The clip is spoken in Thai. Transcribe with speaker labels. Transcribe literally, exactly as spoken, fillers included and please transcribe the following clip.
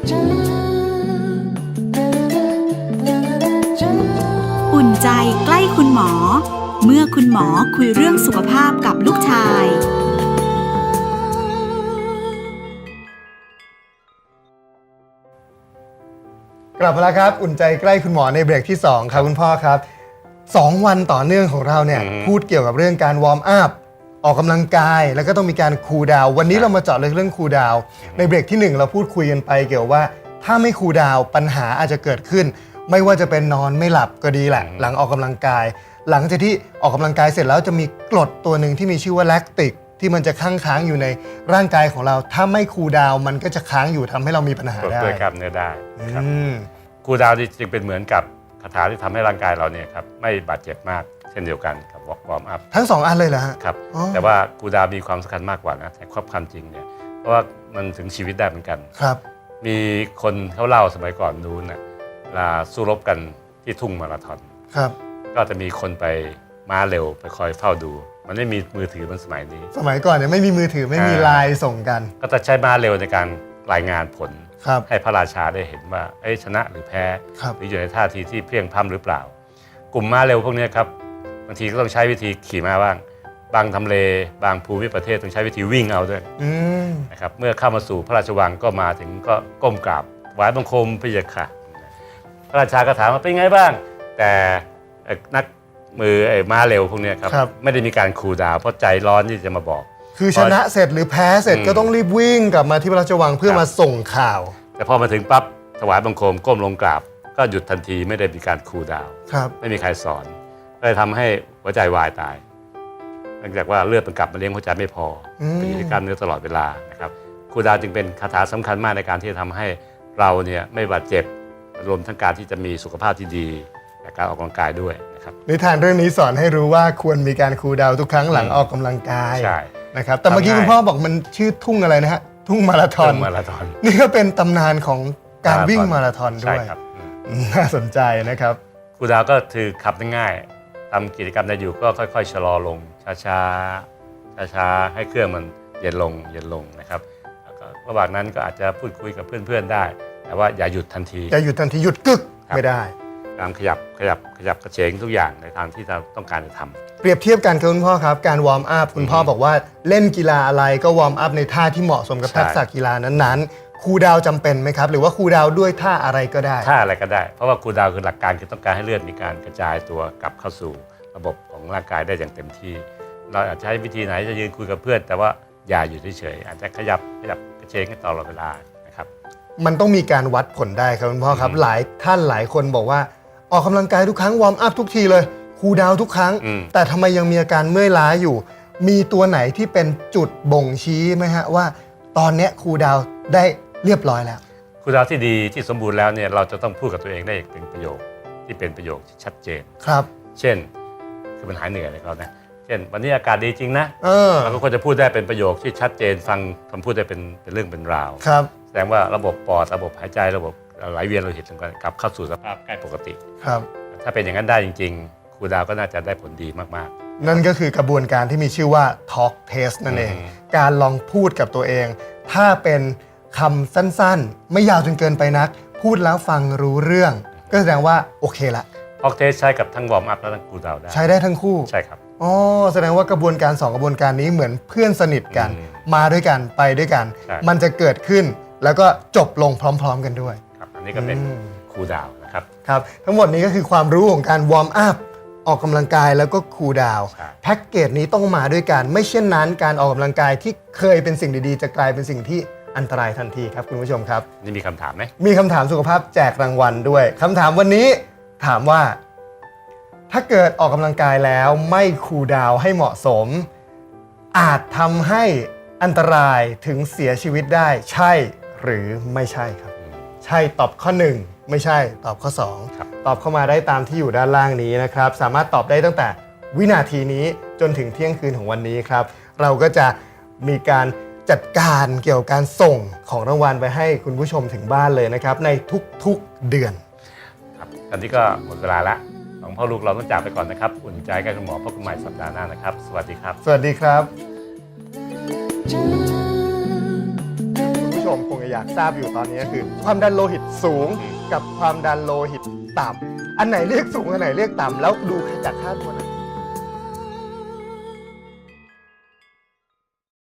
Speaker 1: อุ่นใจใกล้คุณหมอเมื่อคุณหมอคุยเรื่องสุขภาพกับลูกชาย
Speaker 2: กลับมาแล้วครับอุ่นใจใกล้คุณหมอในเบรกที่สองครับคุณพ่อครับสองวันต่อเนื่องของเราเนี่ยพูดเกี่ยวกับเรื่องการวอร์มอัพออกกำลังกายแล้วก็ต้องมีการคูลดาวน์วันนี้เรามาเจาะลึกเรื่องคูลดาวน์ในเบรกที่หนึ่งเราพูดคุยกันไปเกี่ยวว่าถ้าไม่คูลดาวน์ปัญหาอาจจะเกิดขึ้นไม่ว่าจะเป็นนอนไม่หลับก็ดีแหละหลังออกกำลังกายหลังจากที่ออกกำลังกายเสร็จแล้วจะมีกรดตัวหนึ่งที่มีชื่อว่าแลคติกที่มันจะค้างค้างอยู่ในร่างกายของเราถ้าไม่คูลดาวน์มันก็จะค้างอยู่ทำให้เรามีปัญหาได้
Speaker 3: ด้วยกล้ามเนื้อได้ครับคูลดาวน์จึงเป็นเหมือนกับคาถาที่ทำให้ร่างกายเราเนี่ยครับไม่บาดเจ็บมากเช่นเดียวกันกับวอร์มอัพ
Speaker 2: ทั้งสองอันเลยเหรอฮะ
Speaker 3: ครับแต่ว่าคูลดาวน์มีความสำคัญมากกว่านะแต่ความจริงเนี่ยเพราะว่ามันถึงชีวิตได้เหมือนกัน
Speaker 2: ครับ
Speaker 3: มีคนเขาเล่าสมัยก่อนนู้นนะเวลาสู้รบกันที่ทุ่งมาราธอน
Speaker 2: ครับ
Speaker 3: ก็จะมีคนไปม้าเร็วไปคอยเฝ้าดูมันไม่มีมือถือมันสมัยนี้
Speaker 2: สมัยก่อนเนี่ยไม่มีมือถือไม่มีไลน์ส่งกัน
Speaker 3: ก็จะใช้ม้าเร็วในการรายงานผลให้พระราชาได้เห็นว่าชนะหรือแพ้หรืออยู่ในท่าทีที่เพลียงพล้ำหรือเปล่ากลุ่มม้าเร็วพวกนี้ครับบางทีก็ต้องใช้วิธีขี่ม้าบ้างบางทำเลบางภูมิประเทศต้องใช้วิธีวิ่งเอาด้วยนะครับเมื่อเข้ามาสู่พระราชวังก็มาถึงก็ก้มกราบไหว้บังคมพระเยาค่ะพระราชาก็ถามว่าเป็นไงบ้างแต่นักมือไอ้ม้าเร็วพวกนี้ครับไม่ได้มีการคูลดาวน์เพราะใจร้อนที่จะมาบอก
Speaker 2: คือชนะเสร็จหรือแพ้เสร็จก็ต้องรีบวิ่งกลับมาที่พระราชวังเพื่อมาส่งข่าว
Speaker 3: แต่พอมาถึงปั๊บถวายบังคมก้มลงกราบก็หยุดทันทีไม่ได้มีการคูลดาวน์ไม่มีใครสอนก็เลยทำให้หัวใจวายตายเนื่องจากว่าเลือดมันกลับมาเลี้ยงหัวใจไม่พอเป็นอยู่ในกล้ามเนื้อตลอดเวลานะครับคูลดาวน์จึงเป็นคาถาสำคัญมากในการที่จะทำให้เราเนี่ยไม่บาดเจ็บรวมทั้งการที่จะมีสุขภาพที่ดีและการออกกำลังกายด้วยนะครับ
Speaker 2: นิทานเรื่องนี้สอนให้รู้ว่าควรมีการคูลดาวน์ทุกครั้งหลังออกกำลังกาย
Speaker 3: ใช่
Speaker 2: นะครับแต่เมื่อกี้คุณพ่อบอกมันชื่อทุ่งอะไรนะฮะทุ่งมาราธอน
Speaker 3: มาราธอน
Speaker 2: นี่ก็เป็นตำนานของการวิ่งมาราธอนด้วยน่าสนใจนะครับ
Speaker 3: คูลดาวน์ก็คือขับง่ายๆทำกิจกรรมได้อยู่ก็ค่อยๆชะลอลงช้าๆช้าๆให้เครื่องมันเย็นลงเย็นลงนะครับระหว่างนั้นก็อาจจะพูดคุยกับเพื่อนๆได้แต่ว่าอย่าหยุดทันที
Speaker 2: อย่าหยุดทันทีหยุดกึกไม่ได้
Speaker 3: การขยับขยับขยับกระเฉงทุกอย่างในทางที่เราต้องการจะทำ
Speaker 2: เปรียบเทียบกันครับคุณพ่อครับการวอร์มอัพคุณพ่อบอกว่าเล่นกีฬาอะไรก็วอร์มอัพในท่าที่เหมาะสมกับทักษะกีฬานั้นๆคูลดาวน์จำเป็นไหมครับหรือว่าคูลดาวน์ด้วยท่าอะไรก็ได้
Speaker 3: ท่าอะไรก็ได้เพราะว่าคูลดาวน์คือหลักการคือต้องการให้เลือดมีการกระจายตัวกลับเข้าสู่ระบบของร่างกายได้อย่างเต็มที่เราอาจจะใช้วิธีไหนจะยืนคุยกับเพื่อนแต่ว่าอย่าอยู่เฉยๆอาจจะขยับขยับกระเฉงให้ตลอดเวลานะครับ
Speaker 2: มันต้องมีการวัดผลได้ครับคุณพ่อครับหลายท่านหลายคนบอกว่าออกกำลังกายทุกครั้งวอร์มอัพทุกทีเลยคูลดาวน์ทุกครั้งแต่ทำไมยังมีอาการเมื่อยล้าอยู่มีตัวไหนที่เป็นจุดบ่งชี้ไหมฮะว่าตอนนี้คูลดาวน์ได้เรียบร้อยแล้ว
Speaker 3: คูลดาวน์ที่ดีที่สมบูรณ์แล้วเนี่ยเราจะต้องพูดกับตัวเองได้เป็นประโยคที่เป็นประโยคที่ชัดเจน
Speaker 2: ครับ
Speaker 3: เช่นคือมันหายเหนื่อยเลยครับนะเช่นวันนี้อากาศดีจริงนะเราก็ควรจะพูดได้เป็นประโยคที่ชัดเจนฟังคำพูดได้เป็นเป็นเรื่องเป็นราวแสดงว่าระบบปอดระบบหายใจระบบไหลเวียนโลหิตต่างๆกลับเข้าสู่สภาพใกล้ปกติ
Speaker 2: ครับ
Speaker 3: ถ้าเป็นอย่างนั้นได้จริงๆคูลดาวน์ก็น่าจะได้ผลดีมาก
Speaker 2: ๆนั่นก็คือกระบวนการที่มีชื่อว่า Talk Test นั่นเองการลองพูดกับตัวเองถ้าเป็นคำสั้นๆไม่ยาวจนเกินไปนักพูดแล้วฟังรู้เรื่องก็แสดงว่าโอเคละ
Speaker 3: Talk Test ใช้กับทั้งวอร์มอัพและทั้งคูลดาวน์ได้
Speaker 2: ใช้ได้ทั้งคู่
Speaker 3: ใช่ครับ
Speaker 2: อ๋อแสดงว่ากระบวนการสองกระบวนการนี้เหมือนเพื่อนสนิทกันมาด้วยกันไปด้วยกันมันจะเกิดขึ้นแล้วก็จบลงพร้อมๆกันด้วย
Speaker 3: ครับอันนี้ก็เป็นคูลดาวน์นะครับ
Speaker 2: ครับทั้งหมดนี้ก็คือความรู้ของการวอร์มอัพออกกำลังกายแล้วก็คูลดาวน์แพ็กเกจนี้ต้องมาด้วยกันไม่เช่นนั้นการออกกำลังกายที่เคยเป็นสิ่งดีๆจะกลายเป็นสิ่งที่อันตรายทันทีครับคุณผู้ชมครับ
Speaker 3: นี่มีคำถามไหม
Speaker 2: มีคำถามสุขภาพแจกรางวัลด้วยคำถามวันนี้ถามว่าถ้าเกิดออกกำลังกายแล้วไม่คูลดาวน์ให้เหมาะสมอาจทำให้อันตรายถึงเสียชีวิตได้ใช่หรือไม่ใช่ครับใช่ตอบข้อหนึ่งไม่ใช่ตอบข้อสองตอบเข้ามาได้ตามที่อยู่ด้านล่างนี้นะครับสามารถตอบได้ตั้งแต่วินาทีนี้จนถึงเที่ยงคืนของวันนี้ครับเราก็จะมีการจัดการเกี่ยวกับการส่งของรางวัลไปให้คุณผู้ชมถึงบ้านเลยนะครับในทุกๆเดือน
Speaker 3: ครับตอนนี้ก็หมดเวลาละสองพ่อลูกเราต้องจากไปก่อนนะครับอุ่นใจใกล้คุณหมอพบกันใหม่สัปดาห์หน้านะครับสวัสดีครับ
Speaker 2: สวัสดีครับ ผู้ชมมคงจะอยากทราบอยู่ตอนนี้ก็คือ ความดันโลหิตสูงกับความดันโลหิตต่ำอันไหนเรียกสูงอันไหนเรียกต่ำแล้วดูจากค่าตัวไหน